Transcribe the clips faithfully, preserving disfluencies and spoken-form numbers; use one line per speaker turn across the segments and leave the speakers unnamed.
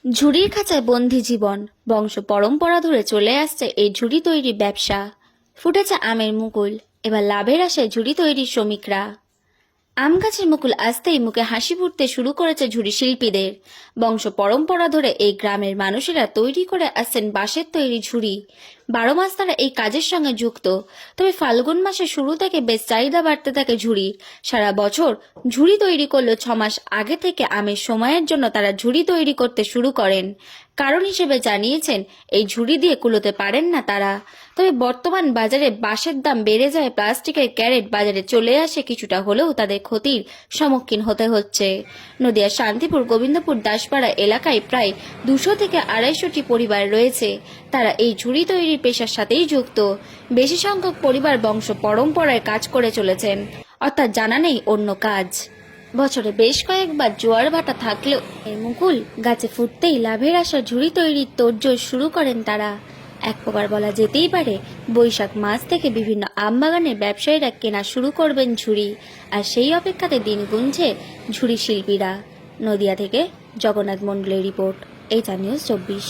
ঝুড়ির খাঁচায় বন্দি জীবন, বংশ পরম্পরা ধরে চলে আসছে এই ঝুড়ি তৈরি ব্যবসা। ফুটেছে আমের মুকুল, এবার লাভের আশায় ঝুড়ি তৈরির শ্রমিকরা। আম গাছের মুকুল আসতেই মুখে হাসি ফুটতে শুরু করেছে ঝুড়ি শিল্পীদের। বংশ পরম্পরা ধরে এই গ্রামের মানুষেরা তৈরি করে আসছেন বাঁশের তৈরি ঝুড়ি। বারো মাস তারা এই কাজের সঙ্গে যুক্ত, তবে ফাল্গুন মাসের শুরু থেকে বেশ চাহিদা বাড়তে থাকে ঝুড়ির। সারা বছর ঝুড়ি তৈরি করলেও ছ মাস আগে থেকে আমের সময়ের জন্য তারা ঝুড়ি তৈরি করতে শুরু করেন। কারণ হিসেবে জানিয়েছেন এই ঝুড়ি দিয়ে কুলোতে পারেন না তারা। তবে বর্তমান বাজারে বাঁশের দাম বেড়ে যায়, প্লাস্টিকের ক্যারেট বাজারে চলে আসে, কিছুটা হলেও তাদের ক্ষতির সম্মুখীন হতে হচ্ছে। নদিয়ার শান্তিপুর গোবিন্দপুর দাসপাড়া এলাকায় প্রায় দুশো থেকে আড়াইশোটি পরিবার রয়েছে। তারা এই ঝুড়ি তৈরির পেশার সাথেই যুক্ত। বেশি সংখ্যক পরিবার বংশ পরম্পরায় কাজ করে চলেছেন, অর্থাৎ জানা নেই অন্য কাজ। বছরে বেশ কয়েকবার জোয়ার ভাটা থাকলেও এই মুকুল গাছে ফুটতেই লাভের আশা ঝুড়ি তৈরির তোড়জোড় শুরু করেন তারা। এক প্রকার বলা যেতেই পারে বৈশাখ মাস থেকে বিভিন্ন আমবাগানের ব্যবসায়ীরা কেনা শুরু করবেন ঝুড়ি, আর সেই অপেক্ষাতে দিন গুনছে ঝুড়ি শিল্পীরা। নদিয়া থেকে জগন্নাথ মণ্ডলের রিপোর্ট, এইচআর নিউজ চব্বিশ।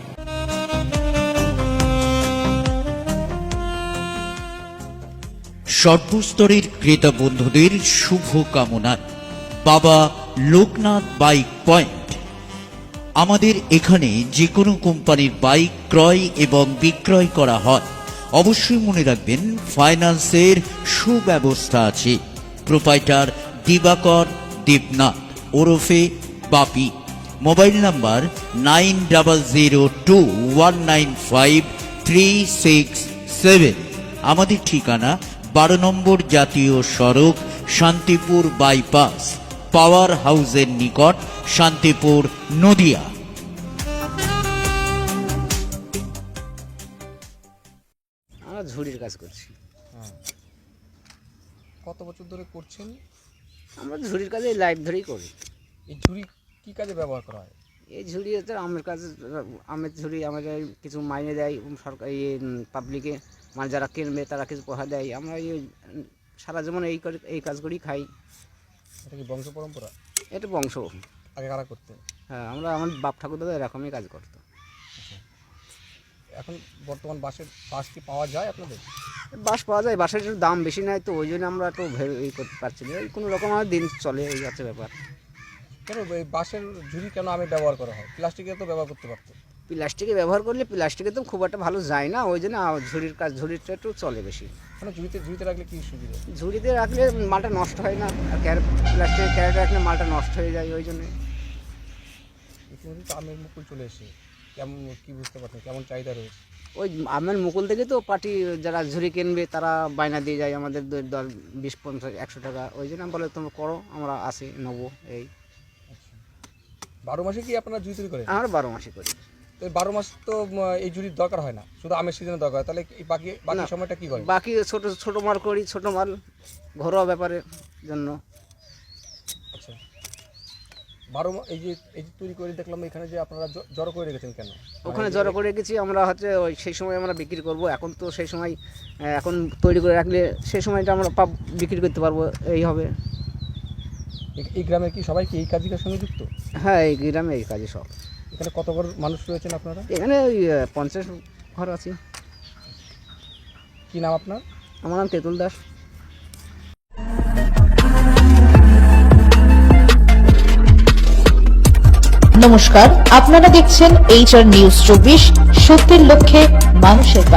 সর্বস্তরের ক্রেতা বন্ধুদের শুভ কামনায় বাবা লোকনাথ বাইক পয়েন্ট। আমাদের এখানে যে কোনো কোম্পানির বাইক ক্রয় এবং বিক্রয় করা হয়। অবশ্যই মনে রাখবেন ফাইন্যান্সের সুব্যবস্থা আছে। প্রোপাইটার দিবাকর দেবনাথ ওরফে Bapi. Mobile number nine double zero two one nine five three six seven. আমাদের ঠিকানা বারো নম্বর জাতীয় সড়ক, শান্তিপুর বাইপাস, পাওয়ার হাউসের নিকট, শান্তিপুর, নদিয়া।
আমরা ঝুড়ির কাজ করছি।
কত বছর ধরে করছেন?
আমরা ঝুড়ির কাজে লাইভ ধরেই করি।
এই ঝুড়ি কি কাজে ব্যবহার করা হয়?
এই ঝুড়ি হচ্ছে আমের কাজ, আমের ঝুড়ি আমাদের কিছু মাইনে দেয় সরকার, এই পাবলিকে মানে যারা কিনবে তারা কিছু পোহা দেয়। আমরা এই সারা জীবন এই করে এই কাজ করেই খাই।
এটা কি বংশ পরম্পরা?
এটা বংশ।
আগে কারা করতেন?
হ্যাঁ, আমরা আমার বাপ ঠাকুর দাদা এরকমই কাজ করতো।
এখন বর্তমান বাঁশের বাঁশ কি পাওয়া যায় আপনাদের?
বাঁশ পাওয়া যায়, বাঁশের একটু দাম বেশি নেয়, তো ওই জন্য আমরা একটু ভেবে এই করতে পারছি না। এই কোনো রকম আমার দিন চলে, এই হচ্ছে ব্যাপার।
কেন এই বাঁশের ঝুড়ি কেন আমি ব্যবহার করা হয়? প্লাস্টিকের তো ব্যবহার করতে পারতো।
প্লাস্টিকে ব্যবহার করলে প্লাস্টিকে তো খুব একটা ভালো যায় না, ওই জন্য ঝুড়ির কাজ, ঝুড়িটা একটু চলে বেশি।
মানে ঝুড়িতে ঝুড়িতে রাখলে কি সুবিধা?
ঝুড়িতে রাখলে মালটা নষ্ট হয় না, আর ক্যারেট প্লাস্টিকের ক্যারেট রাখলে মালটা নষ্ট হয়ে যায়, ওই জন্যে।
ইতিমধ্যে তো আমের মুকুল চলে এসে কেমন কি বুঝতে পারছেন কেমন চাহিদা রয়েছে?
ওই আমের মুকুল থেকে তো পার্টি যারা ঝুড়ি কিনবে তারা বায়না দিয়ে যায় আমাদের দশ বিশ পঞ্চাশ একশো টাকা, ওই জন্য বলে তোমরা করো, আমরা আসি নেবো। এই
বারো মাসে কি আপনারা ঝুড়ি তৈরি করেন?
আমরা বারো মাসে করি।
তো বারো মাস তো এই ঝুড়ির দরকার হয় না, শুধু আমের সিজনে দরকার হয়, তাহলে এই বাকি বাকি সময়টা কি করে?
বাকি ছোট ছোট মাল করি, ছোট মাল ঘরোয়া ব্যাপারের জন্য।
আচ্ছা, বারো এই যে এই যে তৈরি করে দেখলাম এখানে যে আপনারা জড়ো করে রেখেছেন কেন?
ওখানে জড়ো করে রেখেছি আমরা, হচ্ছে ওই সেই সময় আমরা বিক্রি করব। এখন তো সেই সময় এখন তৈরি করে রাখলে সেই সময়টা আমরা পাব বিক্রি করতে পারবো, এই হবে।
এই গ্রামে কি সবাই কি এই কাজের সঙ্গে যুক্ত?
হ্যাঁ, এই গ্রামে এই কাজে সব।
এখানে কত ঘর মানুষ রয়েছেন আপনারা?
এখানে ওই পঞ্চাশ ঘর আছে।
কি নাম আপনার?
আমার নাম তেঁতুল দাস।
নমস্কার, আপনারা দেখছেন এইচআর নিউজ চব্বিশ, সত্যের লক্ষ্যে মানুষের